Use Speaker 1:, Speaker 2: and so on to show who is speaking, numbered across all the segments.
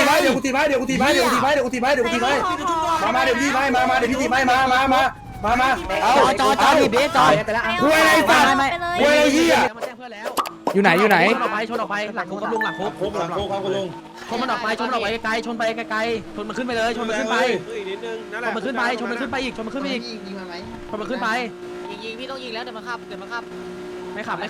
Speaker 1: ไว้เดี๋ยวกูตีไว้เดี๋ยวกูตีไว้เดี๋ยวกูตีไว้เดี๋ยวกูตีไว้เดี๋ยวกูตีไว้มาเดี๋ยวพี่ไว้มาเดี๋ยวพี่ตีไว้มาเอา
Speaker 2: จอหยิบดิจอ
Speaker 1: คุยอะไรสัตว์คุยอะไรเหี้ย
Speaker 3: อยู่ไหนอยู่ไหน
Speaker 2: ชนออกไปหลังคุกกับลุงหลังคุก
Speaker 4: คุกครับคุณลุง
Speaker 2: ชนมันออกไปไกลชนไปไกลชนมันขึ้นไปเลยชนมันขึ้นไปชนมันขึ้นไปชนมันขึ้นไปอีกชนมันขึ้นไปอีกชนมันขึ้นไป
Speaker 5: ยิงพี่ต้องยิงแล้วเดี๋ยวมาขับ
Speaker 2: ไม่ขับ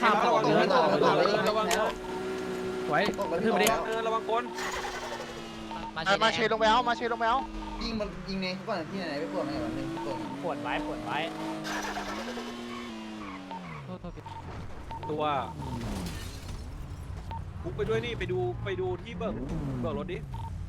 Speaker 2: ไว้ขึ้นไปดิ
Speaker 4: ระวังคน
Speaker 5: มาเชลงไปเอา
Speaker 6: ยิงมันยิงในก่อนที่ไหนไปปวดไหมแบบนึงปวด
Speaker 5: ปวดไว้
Speaker 4: ตัวคุกไปด้วยนี่ไปดูที่เบิกรถดิ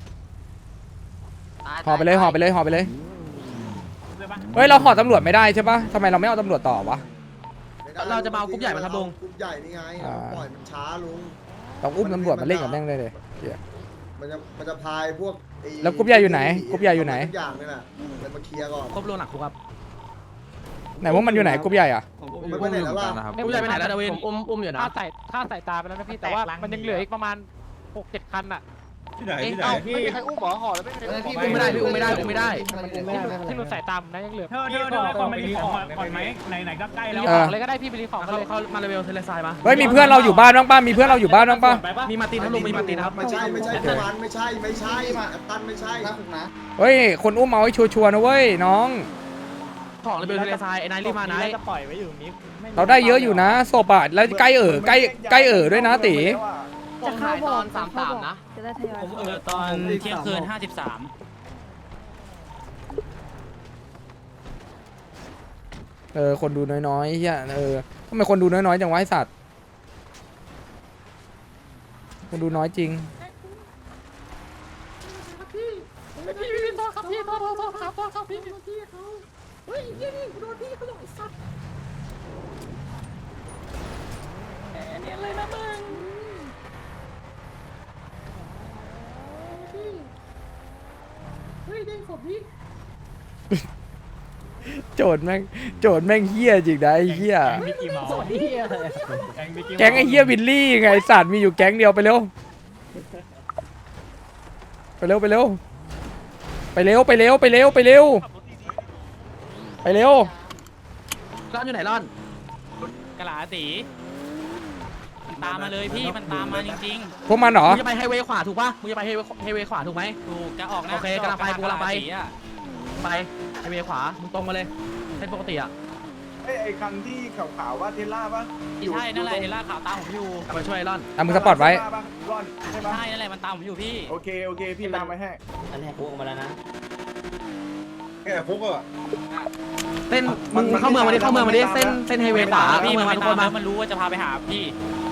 Speaker 3: ห่อไปเลยเฮ้ยเราห่อตำรวจไม่ได้ใช่ปะทำไมเราไม่เอาตำรวจต่อวะ
Speaker 2: เราจะมาเอากรุ๊ปใหญ่มาครับลุง
Speaker 6: กรุ๊ปใหญ่นี่ไงปล่อยมันช้าลุง
Speaker 3: ต้องอุ้มตำรวจมาเล่นกับแม่งเลยเ
Speaker 6: มันจะพายพวก
Speaker 3: แล้วกรุ๊ปใหญ่อยู่ไหนกรุ๊ปใหญ่อยู่ไหน
Speaker 6: ทุกอย่างนี่แหละเลยมาเคลียร์ก่อน
Speaker 2: ครบลุงหลังคุกครับ
Speaker 3: ไหนพวกมันอยู่ไหนกรุ๊ปใหญ่อะ
Speaker 6: ไม่ไปไหนแล้วล่ะ
Speaker 2: กรุ๊ปใหญ่ไปไหนแล้วดาวินอุ้มอยู่นะ
Speaker 7: ค่าใส่ตาไปแล้วนะพี่แต่ว่ามันยังเหลืออีกประมาณ 6-7 คันอ่ะ
Speaker 4: ที่ไหน
Speaker 5: ไม่มีใครอุ้มหรอห่อแล้วไม่มีใคร
Speaker 6: พี่
Speaker 2: อุ้มไม่ได้
Speaker 7: ที่หนูใส่ตามนะยังเหลือ
Speaker 8: เธอคนไปรีของก่อนไหมไหนก็ใกล้
Speaker 7: ไป
Speaker 8: แล้ว
Speaker 7: รีของเลยก็ได้พี่ไปรีของ
Speaker 2: เขา
Speaker 7: เลย
Speaker 2: มาเลเวลเทเลซายมา
Speaker 3: เฮ้ยมีเพื่อนเราอยู่บ้านบ้างป่ะมีเพื่อนเราอยู่บ้านบ้างป่ะ
Speaker 2: มีมาตีนครับลุงมีมาตีนครับ
Speaker 6: ไม่ใช่ไม่ใช่แอปตันไม่ใช่นะ
Speaker 3: เฮ้ยคนอุ้มเอาให้ชัวร์ๆนะเว้ยน้อง
Speaker 2: ของเลเวลเทเลซายไอ้นายรีบมาไหน
Speaker 7: จะปล่อยไว้อยู่นี้
Speaker 3: เราได้เยอะอยู่นะศพอะแล้วใกล้ใกล้ด้วยนะตี
Speaker 5: จะเข้าตอน33นะ
Speaker 9: จะได้ทยอย
Speaker 8: ผมตอนเที่ยงคืน 53
Speaker 3: คนดูน้อยๆเฮียทำไมคนดูน้อยๆจังวะไอสัตว์คนดูน้อยจริงโจทย์แม่งเฮี้ยจริงนะไอ้เฮี้ยแก๊งไอ้เฮี้ยวิลลี่ไงไอสัตว์มีอยู่แก๊งเดียวไปเร็วร้าน
Speaker 2: อยู่ไหนร่อน
Speaker 8: กะหลาตีตามมาเลยพี่มันตามมาจริง
Speaker 3: พวกมันเหรอ
Speaker 2: มึงจะไปไฮเวย์ขวาถูกปะมึงจะไปไฮเวย์ขวาถูกไหม
Speaker 8: ๆถูกจะออกนะ
Speaker 2: โอเคกำลังไปกูกำลังไป
Speaker 8: อะ
Speaker 2: ไฮเวย์ขวามึงตรงมาเลยเส้นปกติอ่ะ
Speaker 4: ไอ้คันที่ขาวๆว่าเทล่าป่ะ
Speaker 8: ใช่นั่นแหละเดล่าขาวตามผมอยู่
Speaker 2: กลับมาช่วยร่อน
Speaker 3: มึงสปอร์ตไว้
Speaker 4: ร่อนใช่ป่ะ
Speaker 8: ใช่นั่นแหละมันตามผมอยู่พี่
Speaker 4: โอเคพี่ตามไปให้
Speaker 5: อันแรกกูออกมาแล้วนะ
Speaker 4: แกคุกอ่ะ
Speaker 2: เส้นมึงเข้าเมืองมาดิเส้นไฮเวย์ขวา
Speaker 8: พี่
Speaker 2: เมือง
Speaker 8: มั
Speaker 2: มาน ทุกคน
Speaker 8: ตาม
Speaker 2: มา
Speaker 8: มันรู้ว่าจะพาไปหาพี่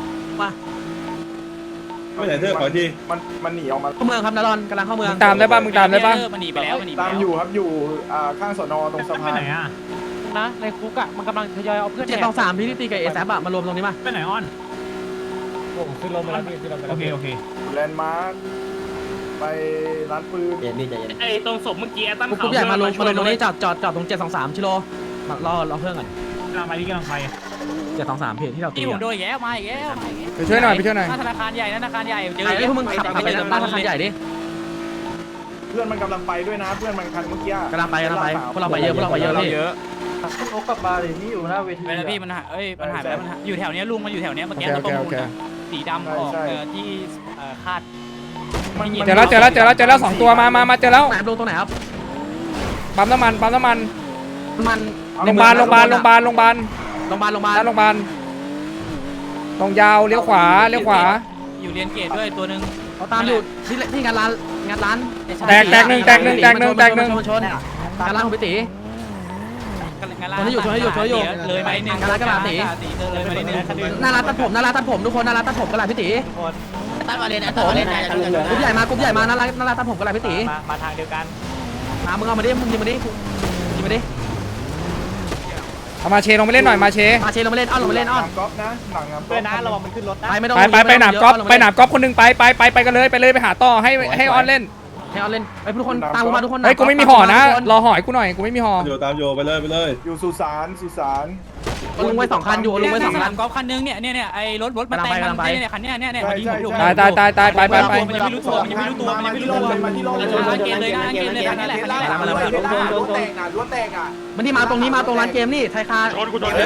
Speaker 4: ไม่ไหนเธอขอทีมันหนีออกมา
Speaker 2: เข้าเมืองครับนารอนกำลังเข้าเมือง
Speaker 3: มึงตามได้ป่ะ
Speaker 8: มันหนีไปแล้ว
Speaker 4: ตามอยู่ครับอยู่ข้างสนตรงสะ
Speaker 8: ไป
Speaker 4: พาน
Speaker 8: ไหนอ่ะ
Speaker 7: นะในคุกอ่ะมันกำลังทยอยเอาเพื่อน
Speaker 2: 723พี่ที่ตีกับเอแซบอะมารวมตรงนี้มา
Speaker 8: ไปไหนอ้อน
Speaker 7: ผมขึ้นลงไปแล้วพี่ขึ้นลงไปแล้ว
Speaker 8: โอเค
Speaker 4: แลนด์มาร์คไปร้านปืน
Speaker 8: ไอ้ตรงศพเมื่อกี้ตั้ง
Speaker 2: กรุ๊ปใหญ่มารวมตรงนี้จอดตรง723ชิโลรอเพื่อนก่อน
Speaker 8: กำลังไปที่กำลังไป
Speaker 2: 723เพจที่เราตี
Speaker 8: พี่ผมโดนอีกแล้วมาอีกแล้ว
Speaker 3: ไปช่วยหน่อย
Speaker 8: ธนาคารใหญ่ธนาคารใหญ่เจอ
Speaker 2: ไอ้พวกมึงขับไปบ้านธนาคารใหญ่ดิ
Speaker 4: เพื่อนมันกำลังไปด้วยนะเพื่อนมันคันเมื่อกี้
Speaker 2: กำลังไปพวกเราไปเยอะพี่
Speaker 6: โอ้กลับมาเลยนี่อยู่หน้าเวที
Speaker 8: ไปแล้วพี่มันหายมันหายไปแล้วมันอยู่แถวนี้ลุงมันอยู่แถวนี้เมื่อกี้ตัวประมูลสีดำออกที่คาด
Speaker 3: เจอแล้ว2ตัวมาเจอแล้ว
Speaker 2: ไหนลงตรงไหนครับ
Speaker 3: ปั๊มน้ำมัน
Speaker 2: มัน
Speaker 3: โรงพยาบาลด้านโรงพยาบาล ตรงยาวเลี้ยวขวา
Speaker 8: อยู่เรียนเกตด้วยตัวนึง
Speaker 2: เขาตามอยู่ที่งานร้าน
Speaker 3: แตกหนึ่ง
Speaker 2: งานร้านของพี่ตี
Speaker 8: เลยไปหนึ่งเลยไปนิดนึง
Speaker 2: หน้าร้านตัดผมทุกคนหน้าร้านตัดผมกระไรพี่ตี
Speaker 5: ตั้งมาเลยนะต่อเลยนะ
Speaker 2: กรุ๊ปใหญ่มาหน้าร้านตัดผมกระไรพี่ตี
Speaker 7: มาทางเดียวกัน
Speaker 2: มึงเอามาดิยิงมาดิ
Speaker 3: เอามาเชลงไปเล่นหน่อยมาเช
Speaker 2: ลงมาเล่นอ้อน
Speaker 4: หลังก๊อฟนะหลัง
Speaker 7: เพื่อนนะระวังมันขึ้นรถนะ
Speaker 3: ไปหนามก๊อฟคนนึงไปกันเลยไปหาต่อให้ออนเล่น
Speaker 2: ให้เอาเล่นไอ้ทุกคนตามกูมาทุกคน
Speaker 3: เฮ้ยกูไม่มีห่อนะรอห่อให้กูหน่อยกูไม่มีห่อ
Speaker 1: อยู่ตามโยไปเลยไปเลย
Speaker 4: อยู่สุสาน
Speaker 2: ลุงไว้2คันอยู่ลุงไว้2คัน
Speaker 8: กอล์ฟคันนึงเนี่ยไอ้รถมันแต่งคันเนี่ยคันเนี่ยพอดีผมอยู่
Speaker 3: ตายไป
Speaker 8: มันยังไม่รู้ตัวมันยังไม่รู้ตัวมันยังไม่รู้ตัว
Speaker 4: มาที่โรง
Speaker 8: ร้านเกมเลยร้านเกมเลยคันนี้แหละคันนี้แหละ
Speaker 4: รั้วแตกรั้วแตกอ่ะ
Speaker 2: มันที่มาตรงนี้มาตรงร้านเกมนี่ไทยคา
Speaker 4: ไปมาถึง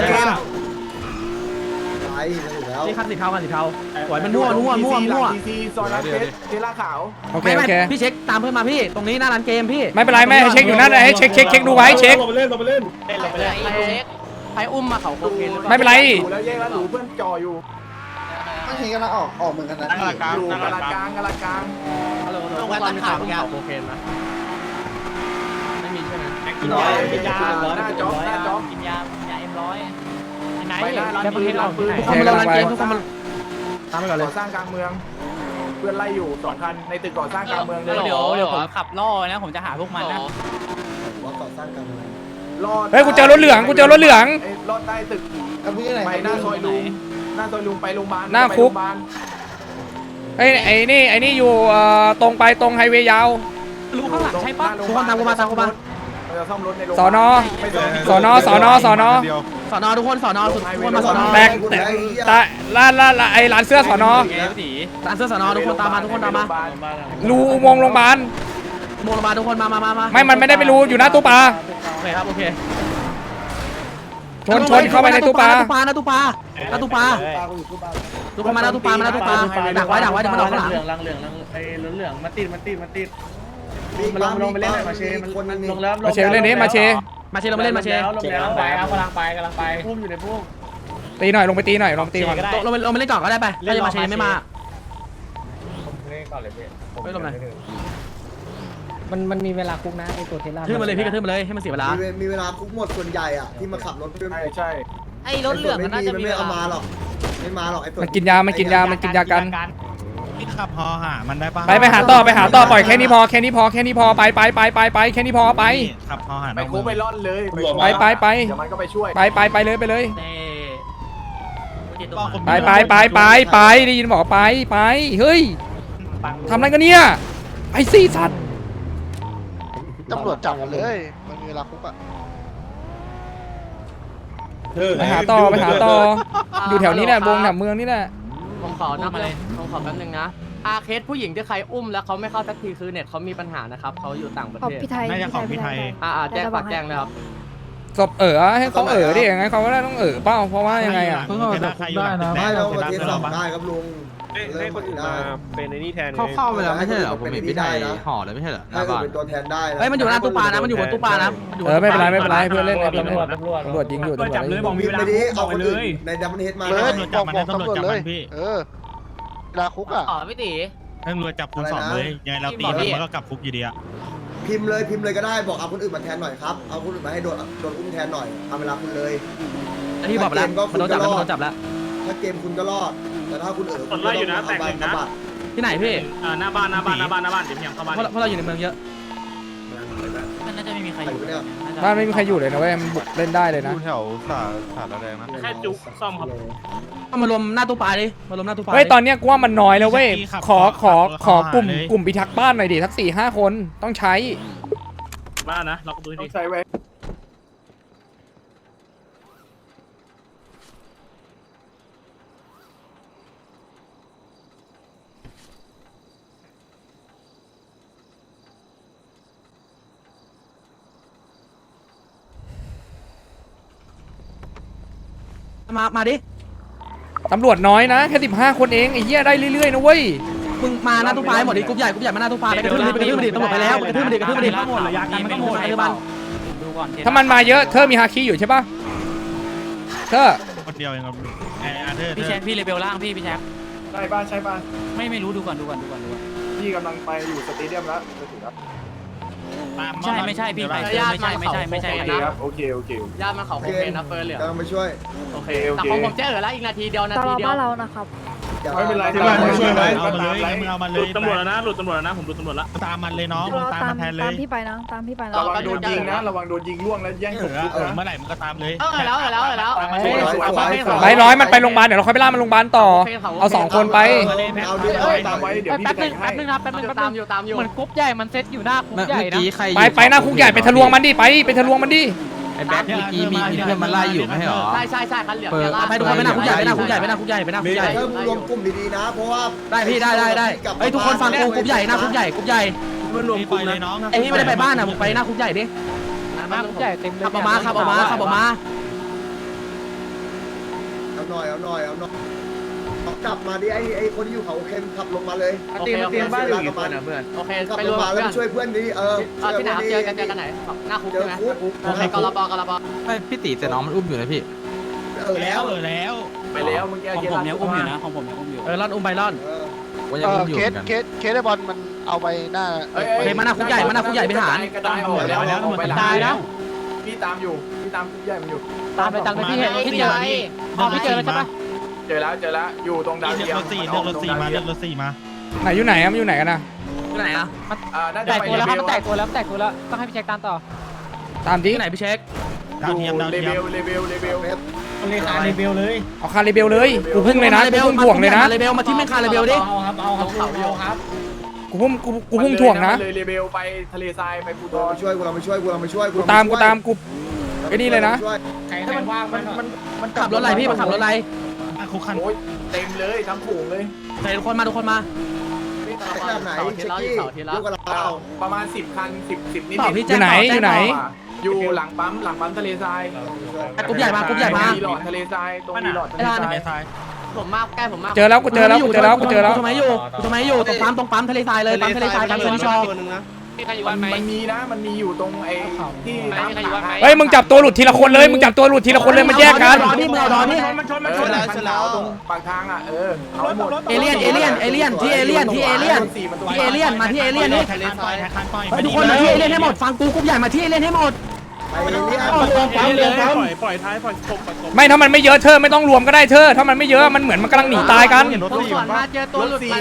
Speaker 4: แล้ว
Speaker 2: นี่คันสีเทาสวยมันมั่ว
Speaker 4: ซีซอยร้านเทล่าขาว
Speaker 3: โอเค
Speaker 2: ไม่พี่เช็คตามเพื่อนมาพี่ตรงนี้หน้าร้านเกมพี่
Speaker 3: ไม่เป็นไรแม่เช็คอยู่นั่นให้เช็คดูไว้เช็ค
Speaker 1: เราไปเล่น
Speaker 5: ใครอุ้มมาเขาโอเค
Speaker 3: ไม่เป็นไร
Speaker 4: อยู่แล้วแยกแล้วหนูเพื่อนจ่ออยู่
Speaker 6: ไม่เห็นกันแล้วออกเหมือนกันนะ
Speaker 4: อยู่กะลากลาง
Speaker 5: ลงไปตัดขาเขาโอเคนะ
Speaker 2: ไม่มีใช่ไหม
Speaker 8: กินยากินยาM100ไหน
Speaker 4: ไปหน้าร้าน
Speaker 7: ประเทศเราที่ไหน
Speaker 2: ทุกคนมาร้านเกมทุกคนมาตามไปก่อนเลย
Speaker 4: ก่อสร้างกลางเมือง เพื่อนไล่อยู่2 คันในตึกก่อสร้างกลางเมืองเลย
Speaker 8: เดี๋ยวผมขับล่อนะผมจะหาพวกมันนะ
Speaker 6: ว่าก่อสร้างกันเลย
Speaker 3: เฮ้ยกูเจอรถเหลือง
Speaker 4: รอดใต้ตึก
Speaker 6: เอาพี่ไหน
Speaker 4: ไปหน้าซอยลุงไปโรงพยาบาล
Speaker 3: หน้าคุกเฮ้ยไอ้นี่อยู่ตรงไปตรงไฮเวย์ยาว
Speaker 8: รู้ข้างหลังใช่ปะ
Speaker 2: ทุกคนตามกูมา
Speaker 4: เราจะซ่อมรถในโรง
Speaker 3: สอนอ สอนอ
Speaker 2: สอนอทุกคนสอนอสุดทุกคนมาสอนอ
Speaker 3: แตกร้านไอ้ร้านเสื้อสอนอ
Speaker 2: ร้านเสื้อสอนอทุกคนตามมาทุกคนตามมา
Speaker 3: รูอุโมงค์โรงพยาบาล
Speaker 2: โมงมาทุกคนมา
Speaker 3: ไม่มันไม่ได้ไปรูอยู่หน้าตู้ปลา
Speaker 2: โอเคครับโอเค
Speaker 3: ชนเข้าไปในตู้ปลา
Speaker 2: ทุกคนมาหน้าตู้ปลาดักไว้เดี๋ยวมันออกข้างหลัง
Speaker 6: ลงไปเล่นมาเชมันคนนึง
Speaker 3: มาเชเล่นนี้มาเช
Speaker 2: มาเชเรามาเล่นมาเช
Speaker 7: กำลังไปพุ่มอยู่ในพุ่ม
Speaker 3: ตีหน่อยลงไปตีหน่อยลงตีก่อน
Speaker 2: เรามาเล่นก่อนก็ได้ไปถ้าจะมาเชไม่มา
Speaker 7: เล่นก่อนเลยพี่
Speaker 2: ไม่ลงไหน
Speaker 7: มันมีเวลาคุกนะไอตัวเทล่า
Speaker 2: ทื่อมาเลยพี่กระทื่อมาเลยให้มันเสียเวลา
Speaker 6: มีเวลาคุกหมดส่วนใหญ่อ่ะที่มาขับรถ
Speaker 4: ใช่
Speaker 5: ไอ้รถเหลืองมันน่าจะมี
Speaker 6: ไม่เอามาหรอกไม่มาหรอกไอ้ตัว
Speaker 3: มันกินยากัน
Speaker 8: ขับพอหามันได้ปะ
Speaker 3: ไปหาต่อปล่อยแค่นี้พอไปแค่นี้พอไปแค่นี้พอไป
Speaker 8: ขับพอหา
Speaker 4: ไปคุกไปร่อนเลย
Speaker 3: ไป
Speaker 4: เดี๋ยวมันก็ไปช่วย
Speaker 3: ไปเลยไปได้ยินบอกไปเฮ้ยทำอะไรกันเนี่ยไอ้ซี่สัตว์
Speaker 9: ตำรวจจับกันเลยมันมีเวลาคุกอ่ะ
Speaker 3: ไปหาต่ออยู่แถวนี้แหละวงแถวเมืองนี่แหละ
Speaker 5: ผมขอนับเลยผมขอแป๊บนึงนะอาเคสผู้หญิงที่ใครอุ้มแล้วเขาไม่เข้าสักทีคือเน็ตเขามีปัญหานะครับเขาอยู่ต่างประเทศ
Speaker 8: น่าจะของพี่ไทย
Speaker 5: แจ้งฝากแจ้งเลยครับ
Speaker 3: ศพให้เขาดิยังไงเขาก็ได้ต้องเปล่าเพราะว่ายังไงอ่ะ
Speaker 6: ไม่เราประเทศสอบได้ครับลุง
Speaker 4: ให้คนอื่นมาเป็นในนี่แทน
Speaker 6: เขาเข้าไปแล้วไม่ใช่เหรอผมเห็นพี่ไทยห่อเลยไม่ใช่เหรอให้เป็นตัวแทนได้
Speaker 2: เฮ้ยมันอยู่หน้าตู้ปลานะมันอยู่บนตู้ปลานะ
Speaker 3: ไม่เป็นไรเพื่อนเล่นตำรวจยิงอยู่
Speaker 8: จับเลยบอกมีเวลา
Speaker 6: ไม่ได้เอา
Speaker 8: ไป
Speaker 6: คน
Speaker 8: เล
Speaker 6: อื่น
Speaker 8: ย
Speaker 6: ในดับเบิลเฮดมา
Speaker 9: เลยบอกตำรวจเลยเวลาคุกอ่ะ
Speaker 5: พี่ตี
Speaker 8: ตำรวจจับคุณสองเลยยังไงเราตีมันก็กลับคุกอยู่ดีอะ
Speaker 6: พิมพ์เลยก็ได้บอกเอาคนอื่นมาแทนหน่อยครับเอาคนอื่นมาให้โดนอุ้มแทนหน่อยทำเวลาคุณเลย
Speaker 2: ที่บอกแล้วมันโดนจับแล้ว
Speaker 6: ถ้าเกมคุณก็รอดแต่ถ้าคุณคุณ
Speaker 4: ไล่อยู่นะแตกหนึ่งนะ
Speaker 2: ที่ไหนพี่
Speaker 8: หน้าบ้านเดี๋ยวเพียงเข้าบ้าน
Speaker 2: เพราะเราอยู่ในเมืองเยอะ
Speaker 8: มันน่าจะไม่มีใครอยู่
Speaker 3: บ้านไม่มีใครอยู่เลยนะเว้ยมันบุกเล่นได้เลยนะ
Speaker 9: แถวสาระแดงนะ
Speaker 8: แค่จุกซ่อมครับ
Speaker 2: มารวมหน้าตู้ปลาดิมารวมหน้าตู้ปลา
Speaker 3: เฮ้ยตอนเนี้ยกูว่ามันน้อยแล้วเว้ยขอกลุ่มพิทักษ์บ้านหน่อยดิสัก 4-5 คนต้องใช้
Speaker 8: บ้านนะเราก็ดู
Speaker 4: ต้อ
Speaker 8: ดิ
Speaker 4: งใช้ไว้
Speaker 2: มาดิ
Speaker 3: ตำรวจน้อยนะแค่15 คนเองไอ้เหี้ยได้เรื่อยๆนะเว้ย
Speaker 2: มึงมาหน้าตู้ปลาหมดดิกรุ๊ปใหญ่มาหน้าตู้ปลาไปกระทืบมันดิตำรวจไปแล้วกระทืบมันดิ
Speaker 8: หมดเลยยากันมันก็หมดไอ้บ้านดูก่อน
Speaker 3: ถ้ามันมาเยอะเธอมีฮาคิอยู่ใช่ปะเธอ
Speaker 8: คนเดียวเองครับพี่แชมป์พี่เลเวลล่างพี่แชมป์
Speaker 4: ใช่ป่ะ
Speaker 8: ไม่รู้ดูก่อน
Speaker 4: พี่กำลังไปอยู่สเตเดียมแล้วจะถึงแล้ว
Speaker 8: ไม่ใช่พี่ไม่ใช่
Speaker 4: ครับโอเค
Speaker 5: ญาติมาเขาโอเคนะเฟิร์นเหลือง
Speaker 6: กำลังไปช่วย
Speaker 5: โอเคแต่ของผมแจ้งแล้วอีกนาทีเดียว
Speaker 10: ตลอดบ้านเรานะครับ
Speaker 4: ไม่เป็นไร
Speaker 10: ที่บ้านช่วยไหม
Speaker 4: เอามาเลย
Speaker 10: มึงเอามันเลยตำรวจแล้วนะหลุดตำรวจแล้วนะผมหลุดตำรวจแล้วตามมันเลยน้องตามมันแทนเลย
Speaker 11: ตามพี่ไปนะตามพี่ไปนะ
Speaker 4: ระวังโดนยิงนะระวังโดนยิงล่วงแล้วแย่งศพคุกนะ
Speaker 10: เมื่อไหร่มึงก็ตามเลย
Speaker 5: แล้ว
Speaker 3: ร้อยมันไปโรงพยาบาลเดี๋ยวเราค่อยไปล่ามันโรงพยาบาลต่อเอา2คนไป
Speaker 4: เอาดิตามไว้เดี๋ยวพี่
Speaker 7: แป๊บ
Speaker 4: ไป
Speaker 7: นึง
Speaker 4: ให้
Speaker 7: แป๊บนึงนะแป๊บนึง
Speaker 5: ตามอยู่ตามอยู่
Speaker 7: เหมือนกรุ๊ปใหญ่มันเซตอยู่หน้าคุกใหญ่นะ
Speaker 3: ไปหน้าคุกใหญ่ไปทะลวงมันดิไปทะลวงมันดิ
Speaker 2: ไอ้แบ็คเมื่อกี้มีเพื่อนมันไล่อยู่ไม่ใช่หรอ
Speaker 5: ใช่คันเหลือง
Speaker 2: ไปทุกคนไปหน้าคุกใหญ่ไปหน้าคุกใหญ่ไปหน้าคุกใหญ่ไปหน้าคุกใหญ่
Speaker 6: เริ่มรวมกลุ่มดีๆนะเพราะว่า
Speaker 2: ได้พี่ได้เฮ้ยทุกคนฟังกูคุกใหญ่หน้าคุกใหญ่คุกใหญ่
Speaker 10: มันรวมกลุ่มเลยน้อง
Speaker 2: ไอ้นี่ไม่ได้ไปบ้านอ่ะมึงไปหน้าคุกใหญ่ดิ
Speaker 7: หน้าคุกใหญ่เต็มเลย
Speaker 2: ขับออกมา
Speaker 6: เอาหน่อยกลับมาดิไอ้คนที่อยู่เขาเค็มขับลงมาเลย
Speaker 5: โอเคบ้านอยู่กี่คนอ่ะเพื่อนโอเค
Speaker 6: ขับ
Speaker 5: ไป
Speaker 6: ล
Speaker 5: รง วม
Speaker 6: มาแล้ว
Speaker 5: เพื่อน
Speaker 6: ช่วยเพื่อนดิ
Speaker 5: ที่ไหนเจอกันไหนหน้าคุก
Speaker 6: เจอ
Speaker 5: ใช่ไหม
Speaker 6: คุก
Speaker 5: โอเคกรบ
Speaker 2: พี่ตีแต่น้องมันอุ้มอยู่นะพี่
Speaker 6: แล้ว
Speaker 4: ไปแล้วเมื่อกี้
Speaker 8: ของผมยังอุ้มอยู่นะของผมยังอุ้มอยู่
Speaker 2: ร่อนอุ้มไปร่อนว่ายังอุ้มอยู่
Speaker 9: เคสไอ้บอลมันเอาไปหน้า
Speaker 2: เฮ้ยมาหน้าคุกใหญ่ไปหาร
Speaker 4: กระจายออกแล้วไปหลัง
Speaker 7: ตายนะ
Speaker 4: พี่ตามอยู่พี่ตามคุกใหญ่มันอยู่
Speaker 7: ตามไปตามไปพี่เห็นพี่เจอพี่เจอแล้วใช่ปะ
Speaker 4: เจอแล้วอยู่ตรงดาวเทียม
Speaker 10: เลือกรถสี่มา
Speaker 3: ไหนอยู่ไหนมันอยู่ไหนกันนะ
Speaker 2: ที่ไหนอ่ะ
Speaker 4: น่า
Speaker 7: แต
Speaker 4: จะ
Speaker 7: ก
Speaker 4: ไป
Speaker 7: ตัวแล้วครับมันแตกตัวแล้วต้องให้พี่เช็คตามต่อ
Speaker 3: ตามดิ
Speaker 2: ที่ไหนพี่เช็ค
Speaker 4: อยู่เลเวล
Speaker 10: เลยคารีเบลเลย
Speaker 3: เอาคาริเบลเลยกูพุ่งเลยนะกูพุ่งถ่วงเลยนะ
Speaker 2: เลเบลมาที่แม่งคาเลเบลดิ
Speaker 3: กูพุ่งถ่วงนะ
Speaker 4: เลยเลเวลไปทะเลทรายไปปูดอน
Speaker 6: ช่วยกูเราไปช่วยกู
Speaker 3: กูตามกูไอ้นี่เลยนะ
Speaker 10: ใครว่างมัน
Speaker 2: ขับรถอะไรพี่มาขับรถอะไร
Speaker 10: คุกคัน
Speaker 4: โอ้ยเต็มเลยทั้งฝูงเลย
Speaker 2: ใส่ทุกคนมา
Speaker 6: แบบไหนเช็คกี้เยอะกว่าเรา
Speaker 4: ประมาณ10 คัน 10นิด
Speaker 3: อยู่ไหน
Speaker 4: อยู่หลังปั๊มทะเลทราย
Speaker 2: กรุ๊ปใหญ่มา
Speaker 4: มีหลอดทะเลทรายตรงมีหลอดทะเลทราย
Speaker 5: ผมมากใกล้ผมมาก
Speaker 3: เจอแล้วกูเจอแล้วกู
Speaker 2: ทำไมอยู่ตรงปั๊มทะเลทรายเลยปั๊มทะเลทรายปั๊มเซนิชอ
Speaker 5: มีใครอยู่บ้านไหม
Speaker 4: มันมีอยู่ตรงไอ้ที่น้ำขัง
Speaker 3: เฮ้ยมึงจับตัวหลุดทีละคนเลยมันแยกกัน
Speaker 2: นี่มึงเอาดอนนี่
Speaker 10: มันชน
Speaker 4: แล้วตรงปากทางเอาหมด
Speaker 2: เอเลี่ยนที่เอเลี่ยนมาที่เอเลี่ยนนี่
Speaker 10: ทะเลทรายคันปล่อย
Speaker 2: ทุกคนมาที่เอเลี่ยนให้หมดฟังกูกรุ๊ปใหญ่มาที่เอเลี่ยนให้หมด
Speaker 6: ไปเรีย
Speaker 10: ปล่อยท้ายปล่อยชก
Speaker 3: ไม่ถ้ามันไม่เยอะเธอไม่ต้องรวมก็ได้เธอถ้ามันไม่เยอะมันเหมือนมันกำลังหนีตายกัน
Speaker 5: ผมสวนมาเจอตัวหลุดไป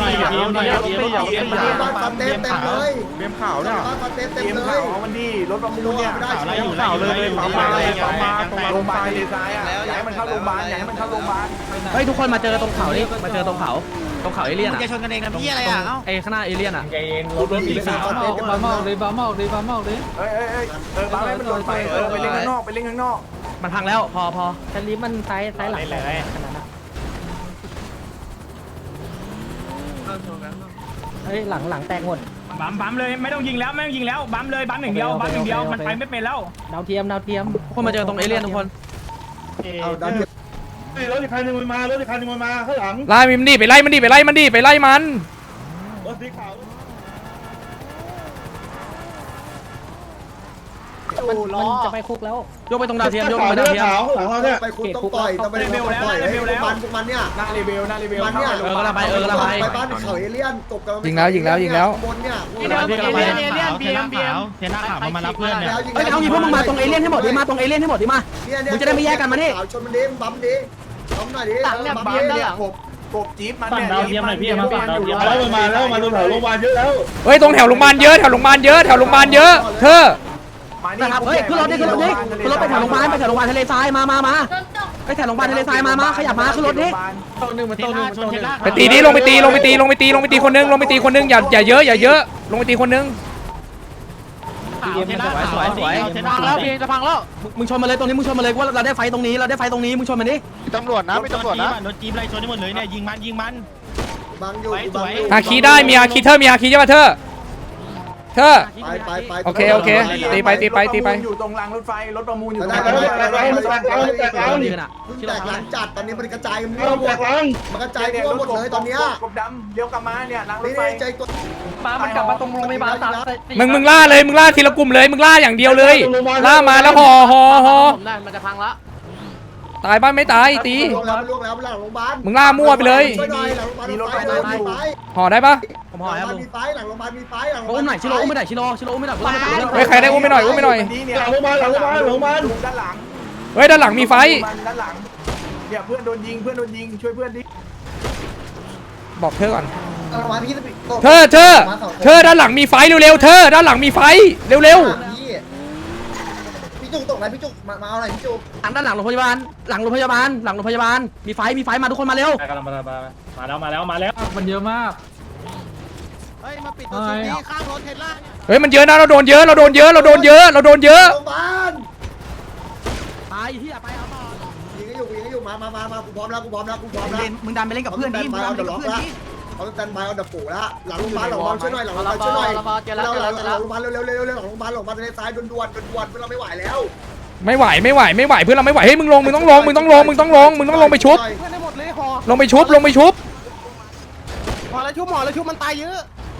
Speaker 6: บ้านฟันเต็มเลย
Speaker 4: เบียมข่าวเนี่ย
Speaker 6: บ้านฟันเต็ม
Speaker 4: เตรียม
Speaker 6: เล
Speaker 4: ข่าวย มันดีรถประมูลเนี่ย
Speaker 6: ได้
Speaker 10: ข่าวเลยปั๊มมา
Speaker 4: โรงพยาบาลทะเลทรายอยากให้มันเข้าโรงพยาบาล
Speaker 2: เฮ้ยทุกคนมาเจอตรงเขานี่มาเจอตรงเขาเอเลี่ยนอ่ะ
Speaker 8: จะชนกันเองนะพี่อะไรอ่ะ
Speaker 2: ไอ้ข้างหน้าเอเลี่ยนอ่ะ
Speaker 10: รถสีขาว
Speaker 6: บ้านเต็ม
Speaker 7: บ้ามอกเลย
Speaker 4: บ้าให้มันโดนไปไปเล่นข้างนอก
Speaker 2: มันพังแล้วพอ
Speaker 7: แต่ลิฟมันซ้ายหลังขนาดนั้นเฮ้ยหลังแตกหมด
Speaker 8: บัมเลยไม่ต้องยิงแล้วบัมเลยบัมหนึ่งเดียวมันไปไม่เป็นแล้ว
Speaker 7: ดาวเทียม
Speaker 2: ทุกคนมาเจอตรงเอเลี่ยนทุกคน
Speaker 6: เอาดันเทียบ
Speaker 10: รถอีกคันนึงมันมาข้างหลัง
Speaker 3: ไล่มันดิไปไล่มันไปไล่มัน
Speaker 10: รถสีขาว
Speaker 7: มันจะไปคุกแล้ว
Speaker 2: ยกไปตรงดาวเทียมยกไปดาวเทียม
Speaker 10: หลังเราเนี่ย
Speaker 6: ไปคุณต้องปล่อยต้องไปปล่อยพวกมันเนี่ย
Speaker 4: หน้าเลเวล
Speaker 6: มันเนี่ย ไปบ้านเขาเอเลี่ยนตบกันบนเนี่ย
Speaker 8: เทียนหน้าขาวมารับเพื่อนเนี่ย
Speaker 2: เฮ้ยเอางี้พวกมึงมาตรงเอเลี่ยนให้หมดดิมาตรงเอเลี่ยนให้หมดดิมา มึงจะได้ไม่แยกกันมานี่
Speaker 6: ชนมันดิบัมดิบัมหน่อยดิ
Speaker 4: ปั๊มเนี่ยกบจี๊ปมันเนี่ย
Speaker 10: แล้วมาตรงแถวโรงพยาบาลเยอะแล้ว
Speaker 3: เฮ้ยตรงแถวโรงพยาบาลเยอะเธอ
Speaker 2: นะครับเฮ้ยขึ้นรถไปแถวโรงพยาบาลทะเลทรายมาไปแถวโรงพยาบาลทะเลทรายมาขยับมาขึ้นรถดิ
Speaker 3: ไปตีดิลงไปตีคนนึงอย่าเยอะลงไปตีคนนึง
Speaker 2: สวยพังแล้วพี่จะพังแล้วมึงชนมาเลยตรงนี้มึงชนมาเลยว่าเราได้ไฟตรงนี้มึงชนมันดิ
Speaker 9: มีตำรวจนะ
Speaker 10: รถจี๊ปไล่ชนที่หมดเลยเนี่ยยิงมัน
Speaker 6: บังอยู่
Speaker 3: อาคีได้มีอาคีเธอมีอาคีใช่ป่ะเธอ
Speaker 6: ไป
Speaker 3: โอเคตีไป
Speaker 4: อยู่ตรงรางรถไฟรถประมูลอยู่
Speaker 6: แต
Speaker 4: ตรง
Speaker 6: ก
Speaker 4: รางรถไฟ
Speaker 6: หลังจัดตอนนี้มันกระจายกันทั่วหมดมันกระจายทั่วหมดเลยตอนเนี้ย
Speaker 4: กบดำเลี้ยวกลับมาเนี่ยรางรถ
Speaker 6: นี่
Speaker 4: ไฟ
Speaker 6: ใจตัว
Speaker 5: มันกลับมาตรงโรงพยาบาล
Speaker 3: มึงล่าเลยมึงล่าทีละกลุ่มเลยมึงล่าอย่างเดียวเลยล่ามาแล้วห่อ
Speaker 5: ผมได้มันจะพังละ
Speaker 3: ตายบ้านไม่ตายตี
Speaker 6: ล่วงแล้วหลังโรงพยาบาล
Speaker 3: มึงล่ามั่วไปเลย
Speaker 6: ช่วยหน่อยหลังโรงพยาบาลมีไฟ
Speaker 3: ห่อได้ปะ
Speaker 2: ผมห่อครับลุง
Speaker 6: มีไฟหลังโรงพยาบาลมีไฟหลัง
Speaker 2: อุ้มหน่อยชิโร่อุ้มไม่ได้ชิโร่อุ้มไม่ได้
Speaker 3: เฮ้ยใครได้อุ้มไปหน่อย
Speaker 4: หลังโรงพยาบาล
Speaker 10: หลังโรงพยาบาล
Speaker 4: ด้านหลัง
Speaker 3: เฮ้ยด้านหลังมีไฟ
Speaker 4: ด้านหลังเนี่ยเพื่อนโดนยิงช่วยเพื่อนดิ
Speaker 3: บอกเธอก่อน
Speaker 6: เอามาพี่
Speaker 3: เธอด้านหลังมีไฟเร็วๆเธอด้านหลังมีไฟเร็ว
Speaker 6: พี่จุกตกไหนพี่จุกมาเอาหน่อยพี่จุก
Speaker 2: ด้านหลังโรงพยาบาลหลังโรงพยาบาลหลังโรงพยาบาลมีไฟมาทุกคนมาเร็ว
Speaker 10: กำลังมาแล้วมันเยอะมาก
Speaker 9: เฮ้ยมาปิดตัวชุดนี้ข้างรถเทสลา
Speaker 3: ๆเฮ้ยมันเยอะนะเราโดนเยอะ
Speaker 6: โรงพยาบาล
Speaker 2: ไปที่ไปเอาต่อ
Speaker 6: ยิงให้อยู่มากูพร้อมแล้ว
Speaker 2: มึงดันไปเล่นกับเพื่อนดิมึงดันไปเล่นกับเพื่อนดิ
Speaker 6: เขาสแตนบายเอาดับปูแล้วหลังโรงพยาบาลช่วยหน่อยหลังโรงพยาบาลช่วยหน่อยหลังโรงพยาบาลเร็วหลังโรงพยาบาลหลังโรงพยาบาลในซ้ายด่วนเราไม่ไหวแล้ว
Speaker 3: ไม่ไหวเพื่อนเราไม่ไหวเฮ้ยมึงต้องลงไปชุบ
Speaker 9: เพื่อนได้หมดเลยหอ
Speaker 3: ลงไปชุบ
Speaker 9: หอแล้วชุบมันตายเยอะ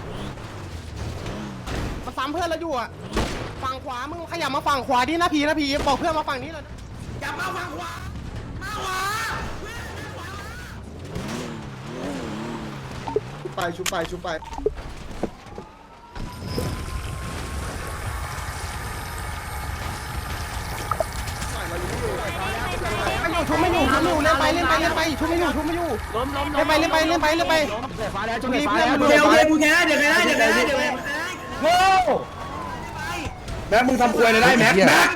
Speaker 9: มาซ้ำเพื่อนแล้วอยู่อ่ะฝั่งขวามึงขยับมาฝั่งขวาดินะพีบอกเพื่อนมาฝั่งนี้เลยอย่ามาฝั่งขวา
Speaker 6: ชุบไป
Speaker 9: ไม่อยู่เล่นไปชุบไม่อยู่เล่นไป
Speaker 2: ฟ้าแล้วจุด
Speaker 9: รีบ
Speaker 2: ฟ้า
Speaker 9: เพื่อน
Speaker 2: แล้ว
Speaker 9: มัน
Speaker 2: เดี๋ยวกูแค่เดี๋ยวไม่ได้
Speaker 1: แม็กมึงทำควยเลยได้แม็ก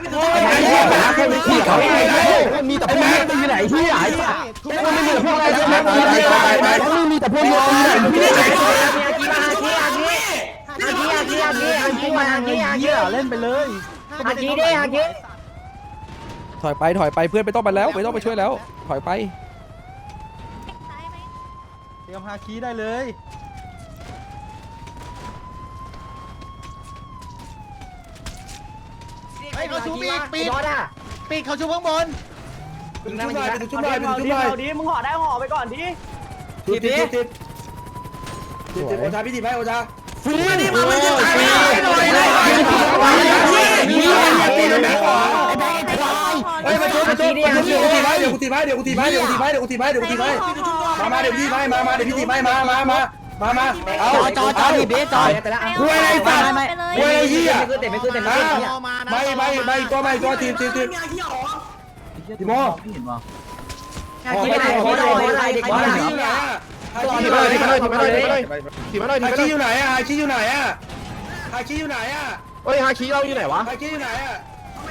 Speaker 2: มีแต่พวกนี้อยู่ไหนที่ไหนมันไม่มีพวกอะไรมีแต่พวกนี้เล่นไปเลย
Speaker 3: ถอยไปเพื่อนไม่ต้องไปแล้วไม่ต้องไปช่วยแล้วถอยไป
Speaker 2: เตรียมฮาคีได้เลย
Speaker 9: เขาชูปีกเขาชูข้างบน
Speaker 1: ชุบหน่อย
Speaker 5: ดิมึงห่อได้ห่อไปก่อนดิ
Speaker 1: ติดโอชาพี่ติดไหมโอชา
Speaker 2: ฟื้นนี่มันจะตายไม่ได้หน่อย
Speaker 1: มาชุบเดี๋ยวกูตีไม้มาเดี๋ยวพี่ตีไม้มาเอาจอพี่เบสจอยไปแล้วคุยอะไรสัตว์คุยอะไรเหี้ยไม่ขึ้นไม่ตัวทีมทีโมทีอยู่ไหนอ่ะฮาคิอยู่ไหนอ่ะ
Speaker 9: เฮ้ยฮาคิเราอยู่ไหนวะ
Speaker 1: ฮาคิอยู่ไหนอ่ะ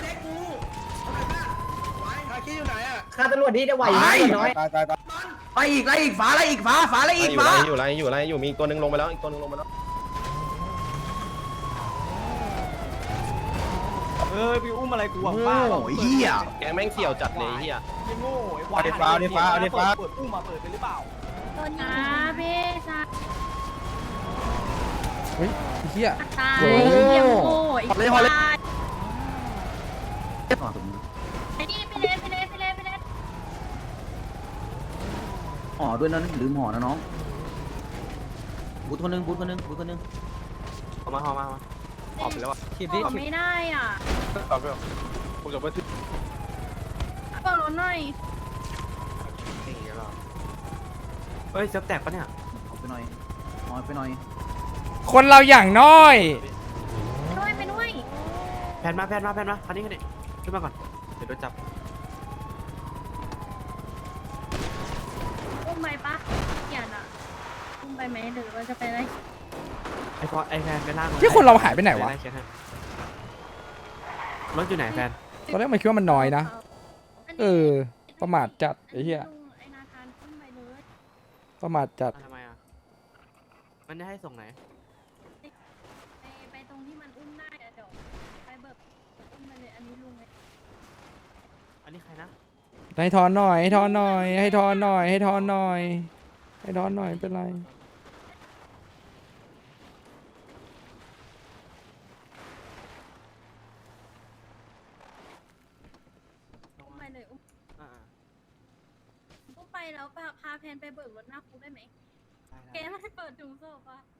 Speaker 1: ฮาคิอยู่ไหนอ่ะ
Speaker 2: ข้าตำรวจนี่จะไหวไหมน้อยไปอีกไล่อีกฟ้า
Speaker 11: อยู่มีตัวนึงลงไปแล้วอีกตัวนึงลงไปแล้ว
Speaker 5: พี่อุ้มอะไรกูบ้า
Speaker 2: โอ้ยเหี้ย
Speaker 11: แกงแม่งเสี่ยวจัดเลยเฮีย
Speaker 5: โง่ไอ้ควายเปิดอุ้มมาเปิดไปหรือเปล่า
Speaker 12: ตัวนี้พี่ชาย
Speaker 3: เฮ้ยเฮีย
Speaker 12: ตายเยี่ยมโง่อีกตายไอ้นี่ไปเลย
Speaker 2: ห่อด้วยนะลืมห่อนะน้องบูทคนนึง
Speaker 11: เอามาออกไปแล้วอ่ะ
Speaker 12: ขอไม่ได้อ่ะบอกรถหน่อย
Speaker 5: เฮ้ยจะแตกปะเนี่ย
Speaker 2: ห่อไปหน่อย
Speaker 3: คนเราอย่างน้อย
Speaker 12: ไปด้วย
Speaker 5: แพนมาคันนี้ขึ้นมาก่อนเดี๋ยวโดนจับ
Speaker 12: อุ้มไปปะอย่าน่ะอุ้มไปไหมหรือว่าจะไปได้
Speaker 5: ไอ้แฟนไปล่าง
Speaker 3: ที่คนเราหายไปไหนวะ
Speaker 5: รถอยู่ไหนแฟน
Speaker 3: ตอนแรกมันคิดว่ามันน้อยนะประมาทจัดไอ้เหี้ย
Speaker 12: ไอ้นาคารอุ้มไปเลย
Speaker 3: ประมาทจัด
Speaker 5: ทำไมอ่ะมันจะให้ส่งไหน
Speaker 12: ไปตรงที่มันอุ้มได้เดี๋ยวไปเบิกอุ้มไปเลยอันนี้ลุงเลย
Speaker 5: อันนี้ใครนะ
Speaker 3: ให้ทอนหน่อยเป็นไร
Speaker 12: อุ้มไปเลยอุ้มไปแล้วพาแพนไปเบิกรถหน้าคุกได้ไหมแกไม่เปิดถุงศพอ่ะ